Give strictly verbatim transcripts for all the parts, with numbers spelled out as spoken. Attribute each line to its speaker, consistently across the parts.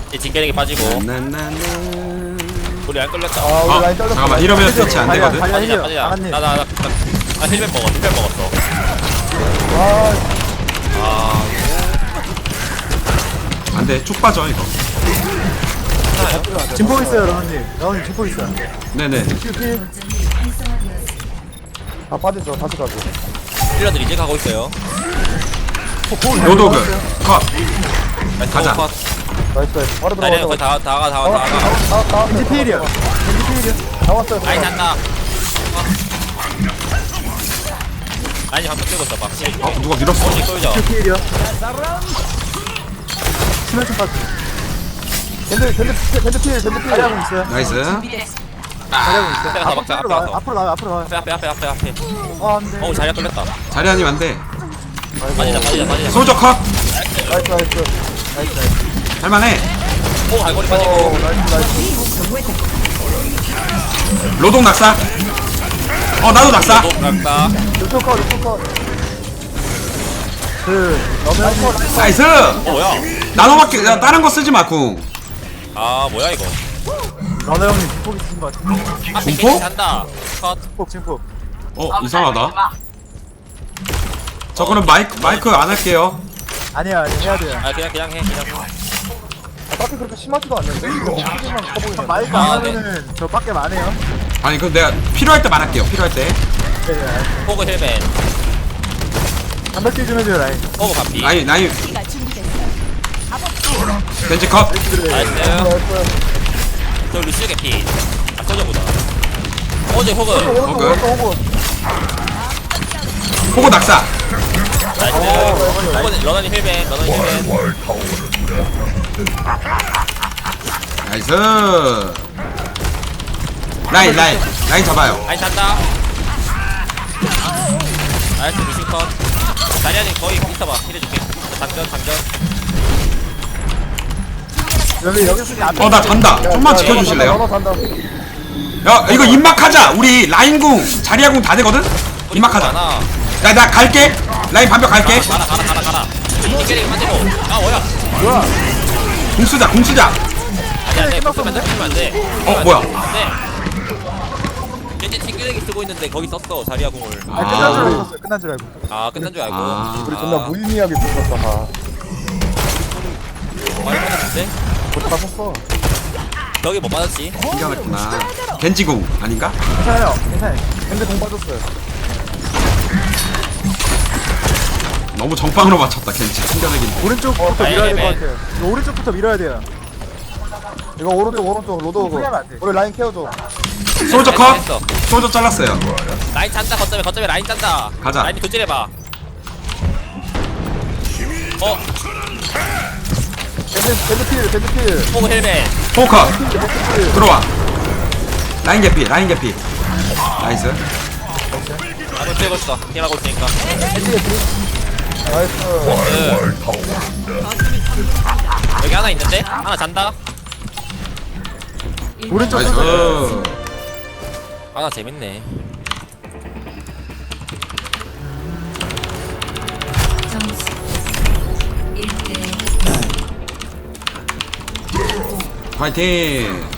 Speaker 1: 이 뒷게레기 빠지고.
Speaker 2: 나나나.
Speaker 1: 우리 안 끌렸다.
Speaker 3: 아
Speaker 2: 어,
Speaker 3: 우리 라인 잘렸어.
Speaker 2: 잠깐만 이러면 대체 안 되거든.
Speaker 3: 달려,
Speaker 1: 빠지자
Speaker 3: 달려.
Speaker 1: 빠지자.
Speaker 3: 나갔네.
Speaker 1: 나나 나 나 힐백 먹어 힐백 먹었어.
Speaker 3: 아
Speaker 1: 아
Speaker 2: 안돼 쭉 빠져 이거.
Speaker 3: 진포 있어요 라운님. 라운님 진포 있어요.
Speaker 2: 네네.
Speaker 3: 큐피. 아 빠졌어 다시 가죠.
Speaker 1: 힐러들 이제 가고 있어요.
Speaker 2: 로도그 컷.
Speaker 1: 나이스,
Speaker 2: 가자.
Speaker 1: 컷.
Speaker 3: 나이스 나이스. 바로
Speaker 1: 아니야
Speaker 3: 들어가서.
Speaker 1: 거의 다 다가 다가 다가.
Speaker 3: 나왔다. 겐지 피일이야. 겐지 피일이야. 나왔어요.
Speaker 1: 라인 잔다. 아니 방금 끌고 있어 봐.
Speaker 2: 어 누가 밀었어?
Speaker 1: 혹시 끌죠?
Speaker 3: 큐 피일이야. 치면서 빠지. 겐지 겐지 겐지 피일 겐지 피일. 하고 있어요.
Speaker 2: 나이스.
Speaker 3: 하고 있어요.
Speaker 1: 앞에 가서 막자, 앞에
Speaker 3: 나와,
Speaker 1: 가서.
Speaker 3: 앞으로 나와 앞으로 나와.
Speaker 1: 앞에 앞에 앞에 앞에 앞에.
Speaker 3: 아 안돼.
Speaker 1: 어 자리가 끌렸다.
Speaker 2: 자리하님 안돼.
Speaker 1: 빠지자 빠지자 빠지자.
Speaker 2: 소저 컷.
Speaker 3: 나이스 나이스. 나이스 나이스.
Speaker 2: 할만해.
Speaker 1: 오 갈고리
Speaker 3: 오
Speaker 1: 빠지고.
Speaker 3: 나이스 나이스.
Speaker 2: 로동 낙사. 어 나도 낙사.
Speaker 1: 또 갔다.
Speaker 3: 유튜브 컷 유튜브 컷. 그 너무
Speaker 2: 나이스.
Speaker 1: 어 뭐야?
Speaker 2: 나노밖에 야, 다른 거 쓰지 마 궁.
Speaker 1: 아 뭐야 이거?
Speaker 3: 러너 형님 진폭 있으신 것 같은데.
Speaker 1: 앞에
Speaker 2: 공포?
Speaker 1: 게임 잔다. 컷.
Speaker 3: 진폭 진폭.
Speaker 2: 어 이상하다. 저 그럼 마이크 마이크 안 할게요.
Speaker 3: 아니야 아니야 해야 돼요.
Speaker 1: 아 그냥 그냥 해 그냥. 해.
Speaker 3: 아, 딱히 그렇게 심하지도 않는데? 이거 어떻게만 커보이네. 마이크
Speaker 1: 아,
Speaker 3: 안 하면은 저 밖에 안 해요.
Speaker 2: 아니 그 내가 필요할 때만 할게요. 필요할 때.
Speaker 3: 네, 네.
Speaker 1: 포그 힐맨.
Speaker 3: 한백 개 좀 해줘요 라인.
Speaker 1: 포그 반피.
Speaker 2: 나이 나이. 벤지 컷.
Speaker 1: 나이스. 저 루시오 개피. 아 소저보다. 어제 호그.
Speaker 3: 오른쪽
Speaker 2: 오케이.
Speaker 3: 오른쪽 오고.
Speaker 2: 호구 낙사.
Speaker 1: 나이스. 호그 러너니 힐맨 러너니 힐맨.
Speaker 2: 나이스. 라인 라인 라인 잡아요.
Speaker 1: 아니 잔다. 나이스 루시오 컷. 자리아님 거의 있어봐. 힐해줄게. 장전 장전.
Speaker 3: 여기 여기 쓰기 앞에.
Speaker 2: 어 나 잔다. 좀만 지켜주실래요?
Speaker 3: 너너 간다.
Speaker 2: 야 이거 입막하자. 우리 라인궁 자리아궁 다 되거든. 입막하자.
Speaker 1: 많아.
Speaker 2: 야 나 갈게. 라인 반벽 갈게.
Speaker 1: 가라 가라 가라 가라. 뒷게레기 빠지고. 아 뭐야?
Speaker 3: 뭐야?
Speaker 2: 궁 쓰자 궁 쓰자.
Speaker 1: 아니 안돼. 붙으면 돼. 붙으면 안 돼.
Speaker 2: 어 뭐야?
Speaker 1: 네. 겐지 뒷게레기 쓰고 있는데 거기 썼어 자리아 궁을.
Speaker 3: 아 끝난 줄 알고 있었어요. 끝난 줄 알고.
Speaker 1: 아 끝난 줄 알고.
Speaker 2: 아.
Speaker 3: 우리 존나 무의미하게 붙었다. 아.
Speaker 1: 많이 받았는데?
Speaker 3: 못다 썼어.
Speaker 1: 저기 못 받았지?
Speaker 2: 신기하구나. 겐지궁 아닌가?
Speaker 3: 괜찮아요. 괜찮아요. 근데 공 빠졌어요.
Speaker 2: 너무 정빵으로 맞췄다 겐지. 신기하긴.
Speaker 3: 오른쪽부터
Speaker 1: 어,
Speaker 3: 밀어야 될 것
Speaker 1: 네,
Speaker 3: 같아요. 이거 오른쪽부터 밀어야 돼요. 이거 오른쪽 오른쪽 로드 오고. 우리 라인 케어줘.
Speaker 2: 솔저 컷.
Speaker 1: 했어.
Speaker 2: 솔저 잘랐어요.
Speaker 1: 라인 짠다 거점에 거점에 라인 짠다.
Speaker 2: 가자.
Speaker 1: 라인 교체해봐. 어?
Speaker 3: 밴드 밴드 필 밴드 필.
Speaker 1: 포그 헬멧.
Speaker 2: 포커 들어와. 라인 개피 라인 개피. 나이스.
Speaker 1: 나도 쬐고 있어. 힘하고 있으니까.
Speaker 3: 밴드 필. 나이스.
Speaker 1: 그 여기 하나 있는데? 하나 잔다?
Speaker 3: 오른쪽
Speaker 2: 나이스.
Speaker 3: 쏘죠.
Speaker 1: 하나 재밌네.
Speaker 4: 점수 일 대
Speaker 2: 파이팅.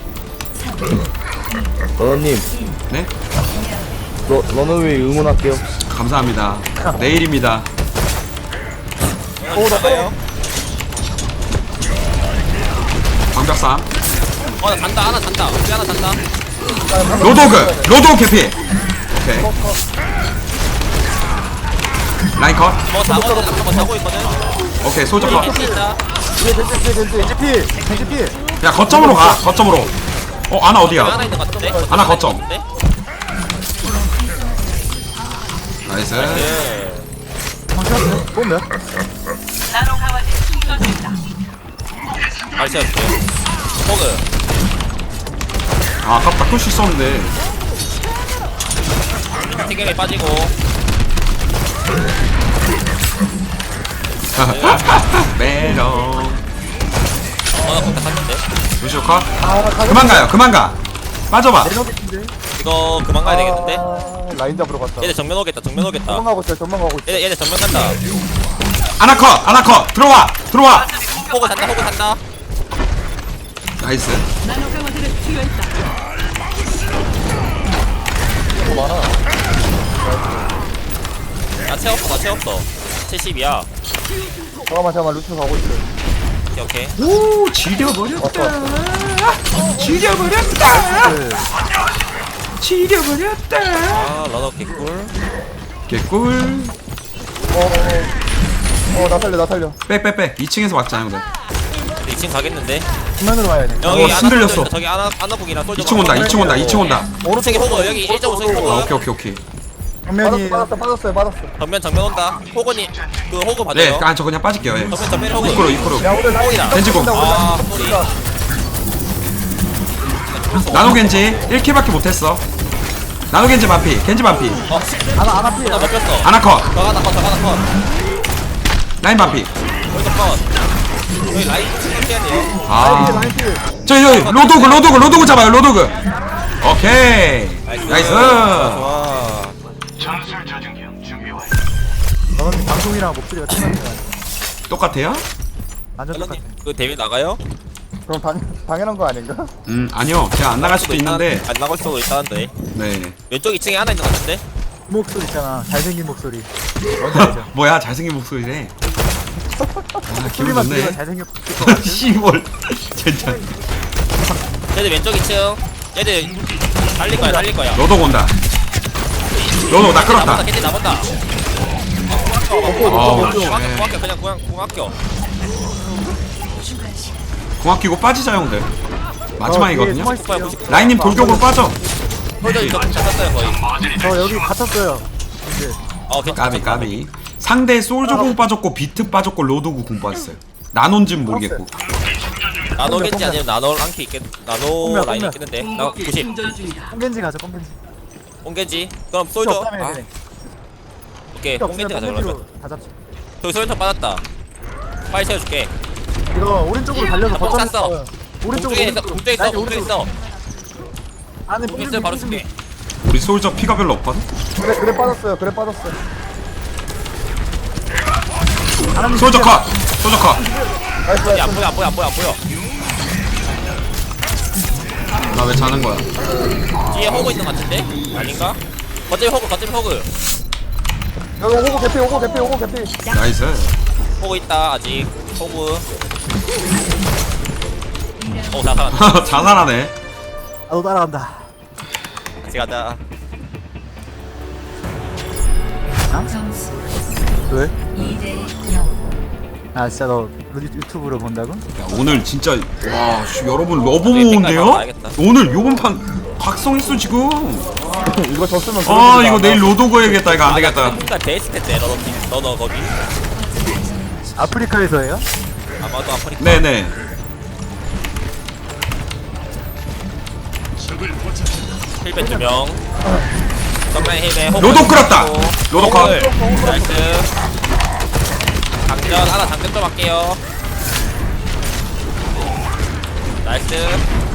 Speaker 5: 러너님,
Speaker 2: 네?
Speaker 5: 러, 러너웨이 응원할게요.
Speaker 2: 감사합니다. 내일입니다.
Speaker 1: 오, 나가요?
Speaker 2: 방벽삼.
Speaker 1: 어, 나 잔다. 하나 잔다. 우리 하나 잔다.
Speaker 2: 로도그 로도 개피. 오케이. 라인 컷.
Speaker 1: 뭐 자고 있거든. 뭐 자고 있거든.
Speaker 2: 오케이 솔저 컷.
Speaker 1: 겐지 있다.
Speaker 3: 뒤에 밴드 필 밴드 밴드 필 밴드 필.
Speaker 2: 야 거점으로 가. 거점으로. 어 아나
Speaker 1: 여기 하나
Speaker 2: 어디야?
Speaker 1: 있는 것 같은데?
Speaker 2: 하나 거점.
Speaker 1: 있는데?
Speaker 2: 나이스.
Speaker 1: 예.
Speaker 3: 방금 보면
Speaker 1: 잘 채워줄게. 포그.
Speaker 2: 아 아깝다. 꿀수 있었는데.
Speaker 1: 튕김이 빠지고.
Speaker 2: 메롱.
Speaker 1: 어, 나 공다 탔는데?
Speaker 2: 루시오 컷.
Speaker 3: 아 가격
Speaker 2: 그만 가요. 그만 가. 빠져봐.
Speaker 3: 내려오겠는데.
Speaker 1: 이거 그만 가야 되겠는데?
Speaker 3: 아, 라인 잡으러 갔다.
Speaker 1: 얘네 정면 오겠다. 정면 오겠다.
Speaker 3: 도망가고 있어요. 도망가고 있어.
Speaker 1: 얘네 얘네 정면 간다.
Speaker 2: 아나 컷. 아나 컷. 들어와. 들어와.
Speaker 1: 호그 산다. 호그 산다.
Speaker 2: 나이스.
Speaker 1: 나 채웠어 나 채웠어 칠십이야.
Speaker 3: 잠깐만 잠깐만 루트 가고 있어.
Speaker 1: 오케이 오케이.
Speaker 2: 오 지려버렸다. 지려버렸다. 지려버렸다.
Speaker 1: 아 러너 개꿀.
Speaker 2: 개꿀.
Speaker 3: 어어나 살려 나 살려.
Speaker 2: 빼빼빼. 이 층에서 막자 형들.
Speaker 1: 이 층 가겠는데?
Speaker 3: 정면으로 가야 돼.
Speaker 1: 여기
Speaker 2: 어,
Speaker 1: 아나
Speaker 2: 흔들렸어.
Speaker 1: 솔저 있다. 저기 아나 아나북이랑 솔저
Speaker 2: 이 층 온다. 이 층 온다. 이 층 온다.
Speaker 1: 오른쪽에 호그 여기 일 점 오 층
Speaker 2: 아
Speaker 1: 호그.
Speaker 2: 오케이 오케이 오케이.
Speaker 3: 정면이 빠졌어 빠졌어요 빠졌어.
Speaker 1: 전면 정면 온다. 호그니 그 호그
Speaker 2: 네,
Speaker 1: 받아요.
Speaker 2: 아 저 그냥 빠질게요. 예.
Speaker 1: 전면 전면 호그.
Speaker 2: 이코로 이코로.
Speaker 3: 야 오늘 라인
Speaker 1: 다
Speaker 2: 겐지공.
Speaker 1: 아 소리.
Speaker 2: 나노 겐지 일 킬밖에 못했어. 나노 겐지 반피. 겐지 반피.
Speaker 1: 어,
Speaker 3: 아나 아나 피해.
Speaker 1: 나 먹혔어.
Speaker 2: 아나컷.
Speaker 1: 저 하나 컷, 저 하나 컷.
Speaker 2: 라인 반피.
Speaker 1: 여기도 컷. 여기 라인 해야 돼요.
Speaker 2: 아.
Speaker 3: 라인 피해.
Speaker 2: 저기 저기 로도그 로도그 로도그 잡아요. 로도그. 오케이. 나이스.
Speaker 1: 좋아.
Speaker 3: 너는 방송이랑 목소리가 틀렸네.
Speaker 2: 똑같아요?
Speaker 3: 완전 똑같아.
Speaker 1: 런님 그 대회 나가요?
Speaker 3: 그럼 당 당연한 거 아닌가?
Speaker 2: 음 아니요. 제가 안 나갈 수도 있는데.
Speaker 1: 안 나갈 수도 있다는데.
Speaker 2: 네.
Speaker 1: 왼쪽 이 층에 하나 있는 것 같은데?
Speaker 3: 목소리 있잖아. 잘생긴 목소리. 뭔지 알죠?
Speaker 2: 뭐야 잘생긴 목소리래. 아 기분
Speaker 3: 소리만
Speaker 2: 좋네.
Speaker 3: 들으면 잘생겼을 것 같아.
Speaker 2: 씨뭘 진짜.
Speaker 1: 얘들 왼쪽 이 층. 얘들 달릴 거야, 달릴 거야.
Speaker 2: 로도그 온다. 로도그 나 끌었다.
Speaker 1: 나본다, 걔들 나본다.
Speaker 2: 아우
Speaker 1: 공학교,
Speaker 2: 네.
Speaker 1: 공학교, 그냥 공학, 공학교.
Speaker 2: 공학 끼고 빠지자 형들. 마지막이거든요.
Speaker 3: 어, 뒤에 숨어 있어요.
Speaker 2: 라인님 돌격으로 빠져.
Speaker 1: 홀저 이거 잡았어요, 거의.
Speaker 3: 저 여기 갇혔어요. 이제
Speaker 1: 어, 괜찮아.
Speaker 2: 까비 까비. 상대 솔저 공 빠졌고 비트 빠졌고 로도그 공 빠졌어요. 나논지는 모르겠고.
Speaker 1: 나노겠지 아니면 나노 랑키 있겠, 나노
Speaker 3: 홈이야,
Speaker 1: 라인
Speaker 3: 홈이야.
Speaker 1: 있겠는데. 나 구십.
Speaker 3: 꽁겐지 가자 꽁겐지.
Speaker 1: 뽕겐지. 그럼 솔저.
Speaker 3: 없다며,
Speaker 1: 아,
Speaker 3: 얘네.
Speaker 1: 오케이,
Speaker 3: 필요
Speaker 1: 뽕겐지
Speaker 3: 없으면
Speaker 1: 가자, 그러면.
Speaker 3: 꽁겐지로 다 잡자.
Speaker 1: 저기 솔저 빠졌다. 빨리 채워줄게.
Speaker 3: 이거 오른쪽으로 달려서
Speaker 1: 뽕
Speaker 3: 버튼
Speaker 1: 쐈어.
Speaker 3: 있어요. 오른쪽으로
Speaker 1: 공중에 있어, 공중에 있어,
Speaker 3: 라인
Speaker 1: 공중에
Speaker 3: 오른쪽으로.
Speaker 1: 있어.
Speaker 3: 안에
Speaker 1: 공중에
Speaker 3: 뽕
Speaker 1: 있어, 바로 줄게.
Speaker 2: 우리 솔저 피가 별로 없거든.
Speaker 3: 그래 그래 빠졌어요. 그래 빠졌어요. 하나님
Speaker 2: 솔저
Speaker 3: 진짜-
Speaker 2: 컷. 솔저 컷.
Speaker 3: 나이스
Speaker 1: 어디 안
Speaker 3: 나이스.
Speaker 1: 보여, 안 보여, 안 보여, 안 보여.
Speaker 2: 나 왜 자는 거야?
Speaker 1: 뒤에 호그 있는 것 같은데? 아닌가? 거점에 호그, 거점에 호그.
Speaker 3: 여기 오고 개피 오고 개피 오고 개피.
Speaker 2: 나이스.
Speaker 1: 호그 있다, 아직. 호그. 오, 다 살았다.
Speaker 2: 자살하네.
Speaker 3: 나도 따라간다.
Speaker 1: 같이 가자.
Speaker 4: 점수
Speaker 3: 왜?
Speaker 4: 이 대 영.
Speaker 3: 아 진짜 너 유- 유튜브로 본다고?
Speaker 2: 야, 오늘 진짜 와 씨, 여러분 러브
Speaker 1: 네,
Speaker 2: 모인데요?
Speaker 1: 봐야겠다.
Speaker 2: 오늘 요번 판 각성 있어 지금.
Speaker 3: 이거 졌으면
Speaker 2: 아 이거 내일 로도그 해야겠다. 이거 안 되겠다.
Speaker 1: 그러니까 베이스 텐데, 너너, 너너 거기.
Speaker 3: 아프리카에서예요?
Speaker 1: 아마도 아프리카.
Speaker 2: 네네.
Speaker 1: 힐벤 두 명. 정면 힐벤. 호그.
Speaker 2: 로도 끌었다. 로도 컷.
Speaker 1: 호그. 나이스. 장전, 하나 장전 좀 할게요. 나이스.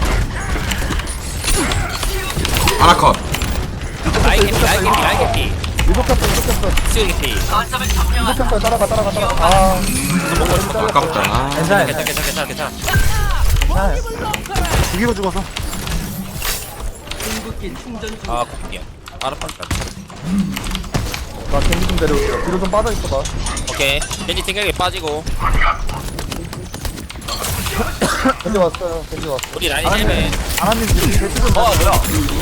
Speaker 2: 하나 컷.
Speaker 1: 라인 개피, 라인 개피, 라인 개피.
Speaker 3: 이거 켰어 이거 켰어
Speaker 1: 시우 개피.
Speaker 3: 이거 켰어 따라가 따라가 따라가. 아
Speaker 2: 아깝다. 아,
Speaker 3: 괜찮아
Speaker 1: 괜찮아, 괜찮아, 괜찮아, 괜찮아.
Speaker 3: 괜찮아. 죽이고 죽어서.
Speaker 1: 아, 코피야. 아르파니까.
Speaker 3: 나 겐지 좀 데려올게. 뒤로 좀 빠져 있어봐.
Speaker 1: 오케이. 겐지 튕겨게 빠지고.
Speaker 3: 겐지 왔어요. 겐지 왔어.
Speaker 1: 우리 라인 힐벤.
Speaker 3: 아나님 지금 대치 좀.
Speaker 1: 어, 뭐야.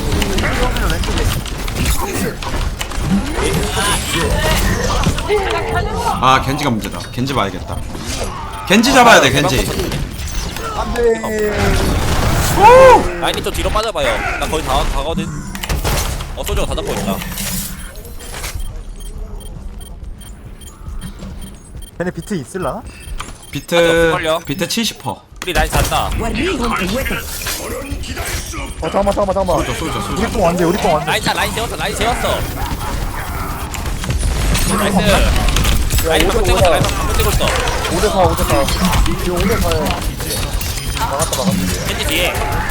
Speaker 2: 아 겐지가 문제다. 겐지 봐야겠다. 겐지 잡아야 돼 겐지.
Speaker 3: 안돼.
Speaker 1: 라인이 좀 뒤로 빠져봐요. 나 거의 다 가거든. 어, 소주가 다 잡고 있다.
Speaker 3: 걔네 비트 있을라?
Speaker 2: 비트
Speaker 1: 걸려.
Speaker 2: 비트 칠십 퍼센트.
Speaker 1: 우리 라인 잔다.
Speaker 3: 어 잠깐만 잠깐만 잠깐만.
Speaker 2: 쏠져 쏠져 쏠져.
Speaker 3: 우리 뽕 안돼 우리 뽕 안돼.
Speaker 1: 라인 자, 라인 세웠어, 라인 세웠어. 나이스. 라인 방금 찍었어, 라인 방금 찍고 있어.
Speaker 3: 오 대 사 오 대 사. 지금 오 대 사에 나갔다 나갔다.
Speaker 1: 겐지 뒤에.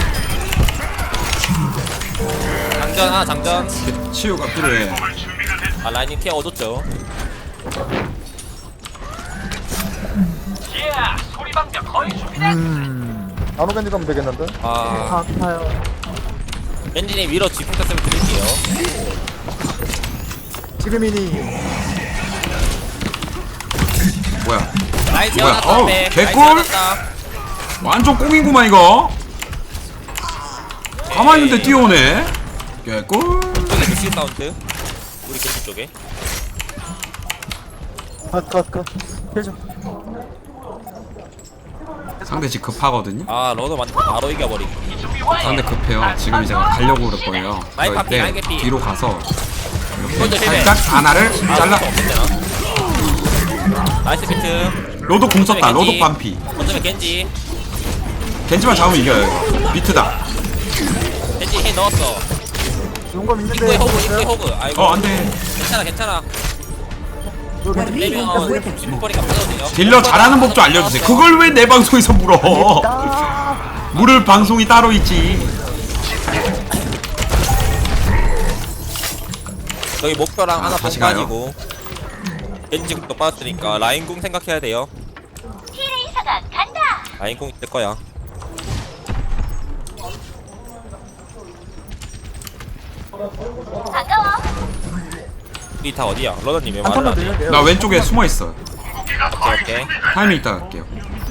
Speaker 1: 장전 하나, 장전.
Speaker 2: 치유가 필요해.
Speaker 1: 아, 라인이 피해 얻었죠.
Speaker 3: 음. 나노 겐지 가면 되겠는데?
Speaker 1: 아
Speaker 5: 아파요.
Speaker 1: 겐지님 위로 지풍 탔으면 드릴게요.
Speaker 3: 지금이니.
Speaker 2: 뭐야?
Speaker 1: 라인
Speaker 2: 뭐야?
Speaker 1: 세워놨다.
Speaker 2: 어우,
Speaker 1: 앞에. 라인
Speaker 2: 개꿀?
Speaker 1: 세워놨다.
Speaker 2: 완전 꽁이구만 이거. 가만히 있는데 뛰어오네. 개꿀.
Speaker 1: 쪽에 루시 사운드. 우리 겐지 쪽에.
Speaker 3: 컷, 컷, 컷. 해줘.
Speaker 2: 상대 집 급하거든요.
Speaker 1: 아 러너 완전 바로 이겨버리고.
Speaker 2: 상대 급해요. 지금 이제 가려고 그럴 거예요.
Speaker 1: 라인
Speaker 2: 그럴
Speaker 1: 파피,
Speaker 2: 때
Speaker 1: 라인 개피.
Speaker 2: 뒤로 가서
Speaker 1: 먼저
Speaker 2: 이렇게
Speaker 1: 힐해.
Speaker 2: 살짝 하나를 잘라.
Speaker 1: 나이스 비트.
Speaker 2: 로드 공 썼다. 로드 반피.
Speaker 1: 어쩌면 겐지.
Speaker 2: 겐지만 잡으면 이겨요. 이거. 비트다.
Speaker 1: 겐지 힐 넣었어.
Speaker 3: 용감
Speaker 1: 입구에
Speaker 3: 있는데.
Speaker 1: 호그, 입구에 호그. 아이고.
Speaker 2: 어 안돼.
Speaker 1: 괜찮아, 괜찮아.
Speaker 3: 여기
Speaker 1: 빼면 지붕거리가 빠져도돼요.
Speaker 2: 딜러 잘하는 법 좀 알려주세요. 그걸 왜 내 방송에서 물어? 물을 방송이 따로 있지.
Speaker 1: 저기 목표랑
Speaker 2: 아,
Speaker 1: 하나
Speaker 2: 다시
Speaker 1: 더
Speaker 2: 가요.
Speaker 1: 빠지고 겐지 궁도 빠졌으니까 라인 궁 생각해야 돼요. 라인 궁 있을 거야. 우리 다 어디야? 러너님 왜
Speaker 3: 한
Speaker 1: 말을
Speaker 3: 턴만
Speaker 1: 안 해?
Speaker 3: 들려요.
Speaker 2: 나 왼쪽에 숨어 있어.
Speaker 1: 오케이 오케이.
Speaker 2: 타이밍 있다 갈게요.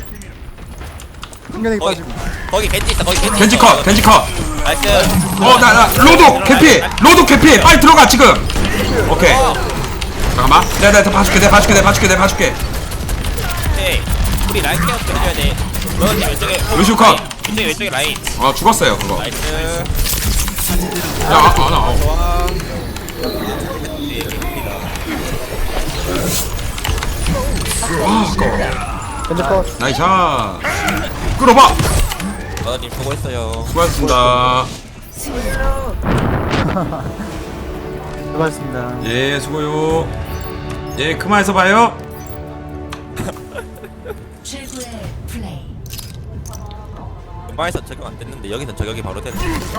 Speaker 3: 승현이
Speaker 1: 거기
Speaker 3: 빠지고.
Speaker 1: 거기 겐지 있어. 거기 겐지.
Speaker 2: 겐지
Speaker 1: 있어.
Speaker 2: 컷, 겐지 컷.
Speaker 1: 나이스.
Speaker 2: 어, 나, 나, 로드 개피, 로드 개피. 빨리 들어가 지금. 오케이. 잠깐만. 내가 내가 봐줄게, 내가 봐줄게, 내가 봐줄게, 내가 봐줄게.
Speaker 1: 오케이. 우리 라인 케어 좀 해줘야 돼. 러너님 왼쪽에.
Speaker 2: 루시오 컷.
Speaker 1: 왼쪽에 왼쪽에 라인.
Speaker 2: 아 죽었어요 그거.
Speaker 1: 나이스.
Speaker 2: 야, 아, 아, 나. 어.
Speaker 1: 좋아.
Speaker 2: 아, 아까워.
Speaker 3: 겐지 컷.
Speaker 2: 나이스 샷. 끌어봐.
Speaker 1: 러너님 수고했어요.
Speaker 2: 수고하셨습니다.
Speaker 3: 수고하셨습니다.
Speaker 2: 예, 수고요. 예, 그만해서 봐요.
Speaker 4: 최고의 플레이.
Speaker 1: 음바에서 적용 안 됐는데 여기서 적용이 바로 되네.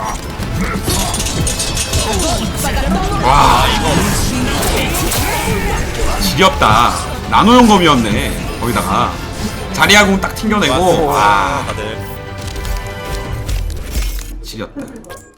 Speaker 2: 와, 지겹다. 나노 용검이었네. 거기다가 자리아공 딱 튕겨내고.
Speaker 1: 와
Speaker 2: 와,
Speaker 1: 다들.
Speaker 2: 지렸다.